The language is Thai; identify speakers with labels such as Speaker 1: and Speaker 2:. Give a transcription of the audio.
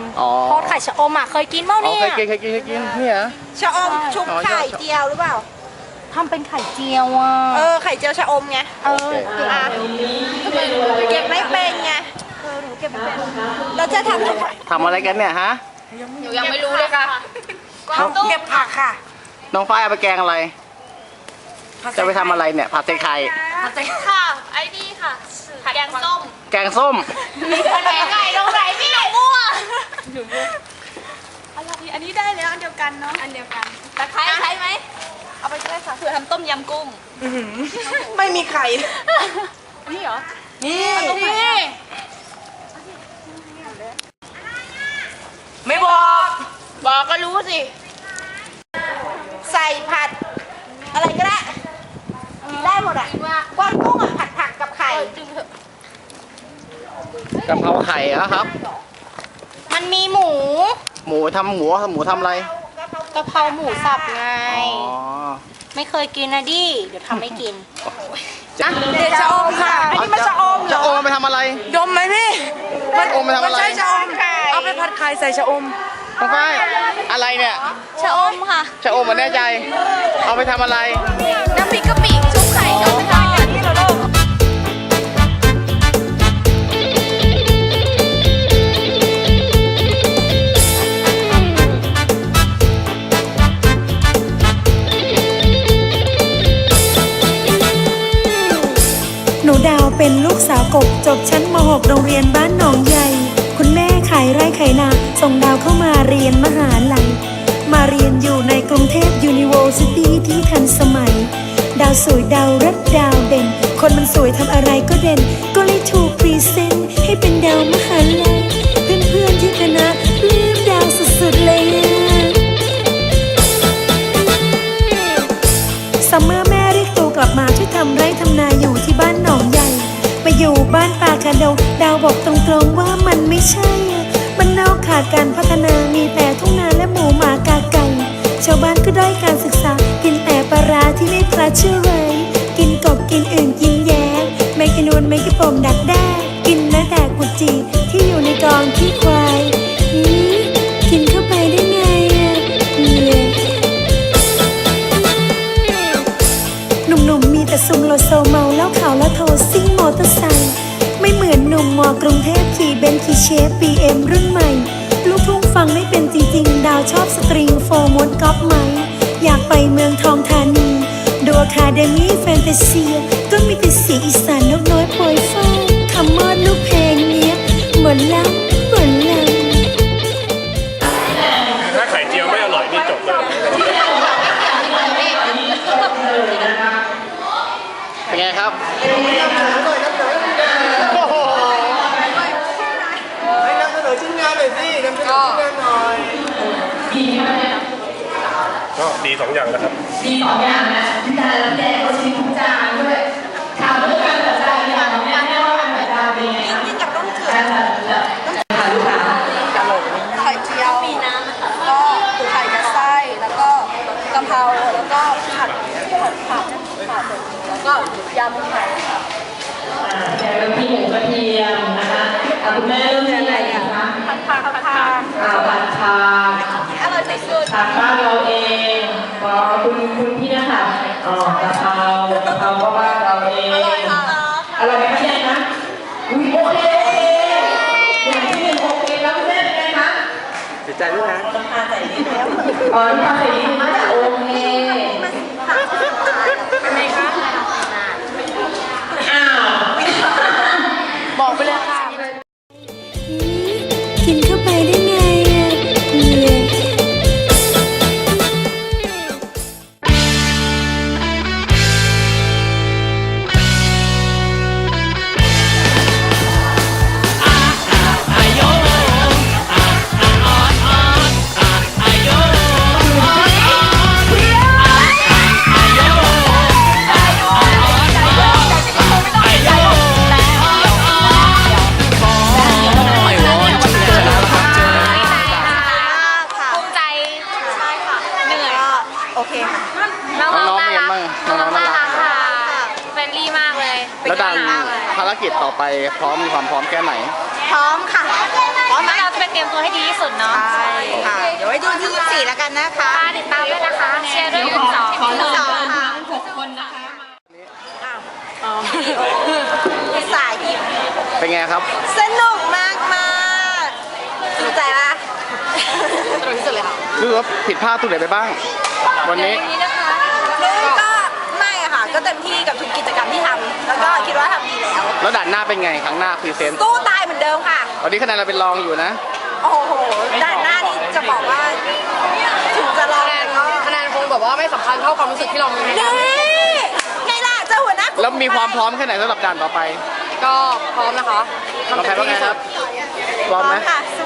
Speaker 1: ทอดไข่ชะอมอ่ะเคยกินเปล่าเนี่ย
Speaker 2: เคยกินเนี่ย
Speaker 3: ชะอมชุบไข่เจียวหรือเปล่า
Speaker 1: ทำเป็นไข่เจียวอ่ะ
Speaker 3: ไข่เจียวชะอมไงเก็บไม่เป็นไงหนูเก็บไม่เป็นเราจะทำ
Speaker 2: อะไรกันเนี่ยฮะ
Speaker 1: หนูยังไม่รู้เลยค่ะ
Speaker 3: เก็บผักค่ะ
Speaker 2: น้องฝ้ายเอาไปแกงอะไรจะไปทำอะไรเนี่ยผัดใส่ไข่
Speaker 1: ค่ะไอ้นี่ค่ะแกงส้ม
Speaker 2: แกงส้ม
Speaker 1: แกงไก่ลงไหนพี่หนูมั่วอันนี้ได้แล้วอันเดียวกันเนาะอันเดียวกันตะไคร้ใช้ไหมเอาไปใช้ค่ะเผื่อทำต้มยำกุ้ง
Speaker 3: ไม่มีไข่
Speaker 1: นี่เหรอ
Speaker 3: นี่
Speaker 1: ไม่บอกก็รู้สิ
Speaker 3: ใส่ผัดอะไรก็ได้ได้หมดอ่ะก้อนกุ้งอ่ะผัดผักกับไข่
Speaker 2: กะเพราไข่ครับ
Speaker 1: มันมีหมู
Speaker 2: ทำหมูทำอะไร
Speaker 1: กะเพราหมูสับไงไม่เคยกินนะดิเดี๋ยวทำให้กิน
Speaker 3: เดี๋ยวชะอมค่ะอันนี้มันชะอมเหรอ
Speaker 2: ชะอมไปทำอะไร
Speaker 3: ดมไหมพี่
Speaker 2: ชะอมไปทำอะไร
Speaker 3: ใช่ชะอมเอาไปผัดไข่ใส่ชะอม
Speaker 2: น้องฝ้ายอะไรเนี่ย
Speaker 1: ชะอมค่ะ
Speaker 2: ชะอมมันแน่ใจเอาไปทำอะไร
Speaker 1: น้ำพริกกะปิชุบไข่ก็ไม่ได้ที่เราโลก
Speaker 4: หนูดาวเป็นลูกสาวกบจบชั้นม.6 โรงเรียนบ้านหนองใหญ่คุณแม่ขายไร่ขายนาส่งดาวเข้ามาเรียนมหาลัยมาเรียนอยู่ในกรุงเทพ University ที่ทันสมัยดาวสวยดาวรัดดาวเด่นคนมันสวยทำอะไรก็เด่นก็เลยถูกพรีเซนต์ให้เป็นดาวมหาลัยเพื่อนๆที่คณะปลื้มดาวสุดๆเลยซัมเมอร์แม่เรียกตัวกลับมาช่วยทำไร่ทำนาอยู่ที่บ้านหนองใหญ่ไปอยู่บ้านป่าคาดงดาวบอกตรงๆว่ามันไม่ใช่มันนอกขาดการพัฒนามีแต่ทุ่งนาและหมูหมากาไก่ชาวบ้านก็ด้อยการศึกษากินแต่ปลาร้าที่ไม่พลาดเชื่อไว้กินกบกินอื่นกินแย้ไม่กินนวลไม่กินปมดักแด้กินแม้แต่กุจีที่อยู่ในกองขี้ควายกินเข้าไปได้ไงหนุ่มๆมีแต่ซุ่มโลโซเมาแล้วขาวแล้วโทรซิ่งมอเตอร์ไซค์ไม่เหมือนหนุ่มมอกรุงเทพขี่เบนซ์ขี่เชฟ BM รุ่นใหม่ลูกทุ่งฟังไม่เป็นจริงๆดาวชอบสตริงโฟร์มดก๊อปไหมอยากไปเมืองทองธานีดูอะคาเดมี่แฟนตาเซียก็มีแต่เสียงอีสานนกน้อยโปรยฟ้าคำมอดลูกเพลงเนี้ยเหมือนล้ำ
Speaker 5: ถ้าไข่เจียวไม่อร่อยนี่จบเลย
Speaker 2: เป็นไงครับ
Speaker 5: ก็ดี2 อย่างนะครับ
Speaker 6: ดี2 อย่างนะจานแล้วแดกก็ชิ้นจานด้วยถามเรื่องการจัดจานเนี่ยแม่ว่าการจัดจานเป็นไงคะ
Speaker 3: กับต้องเถื่อน
Speaker 6: ลูกค้า
Speaker 3: ไข่เจียวมีน้ำนะคะก็ไข่กับไส้แล้วก็กะเพราแล้วก็ผัดผักแล้วก็ยำไข่
Speaker 6: แกงกะทิหมูกระเทียมนะคะคุณแม่เริ่มยังไงคะ
Speaker 3: ผัดผัก
Speaker 6: ผัดผัก
Speaker 3: อร่อยสุด
Speaker 6: ทางบ้านเราเองก็คุณพี่นะคะกะเพราก็บ้านเราเองอร่อยไหมคะเนี่ยนะโอเคอย่างที่1โอเคแล้วคุณแม่เป็นไงคะ
Speaker 2: เสียใจด้วยนะ
Speaker 6: ต้องทานใส่นิดแล้วต้องทานใส่นิดมาโอเค
Speaker 1: เป็นไงคะ
Speaker 6: อ้าว
Speaker 1: บอกไปเลยค่ะ
Speaker 4: กินเข้าไปได้ไง
Speaker 3: โอเค
Speaker 1: น้องๆน่ารัก
Speaker 2: น้องๆน่ารัก
Speaker 1: ค่ะเฟรนลี่มากเลย
Speaker 2: แล้วดังภารกิจต่อไปพร้อมมีความพร้อมแค่ไหน
Speaker 3: พร้อมค่ะ
Speaker 1: พร้อมไหมเราจะไปเตรียมตัวให้ดีที่สุดเนาะใช่ค่ะ เดี๋ยวไว้ดูที่24แล้วกันนะคะติดตามด้วยนะคะเชียร์ด้วยคุณสอง
Speaker 6: ขอเชิญ
Speaker 1: สอง
Speaker 6: ทั้
Speaker 1: ค่ะ
Speaker 6: ง6 คนนะคะ
Speaker 1: สายยิ้ม
Speaker 2: เป็นไงครับ
Speaker 1: สนุกมากมากสนใจปะสนุกที่สุดเลยค่ะ
Speaker 2: รู้สึกว่าผิดพลาดตรงไหนไปบ้าง วันนี้
Speaker 1: นี่นะคะก็ไม่อะค่ะ ก็เต็มที่กับทุกกิจกรรมที่ทำแล้วก็คิดว่าทำดีแล้ว
Speaker 2: แล้วด่านหน้าเป็นไงครั้งหน้าพรีเซนต์
Speaker 1: สู้ตายเหมือนเดิมค่ะ
Speaker 2: ตอนนี้คะแนนเราเป็นรองอยู่นะ
Speaker 1: โอ้โหด้านหน้านี่จะบอกว่าถึงจะรอแต่ก็
Speaker 3: คะแนนคงแบบว่าไม่สำคัญเท่าความรู้สึกที่เรามี
Speaker 1: นี่ไงล่ะเจ้าหัวหน้า
Speaker 2: แล้วมีความพร้อมแค่ไหนสำหรับด่านต่อไป
Speaker 3: ก็พร้อมนะคะ
Speaker 2: น้องแพทว่าไงครับ พร้อมไหม
Speaker 1: ค่ะ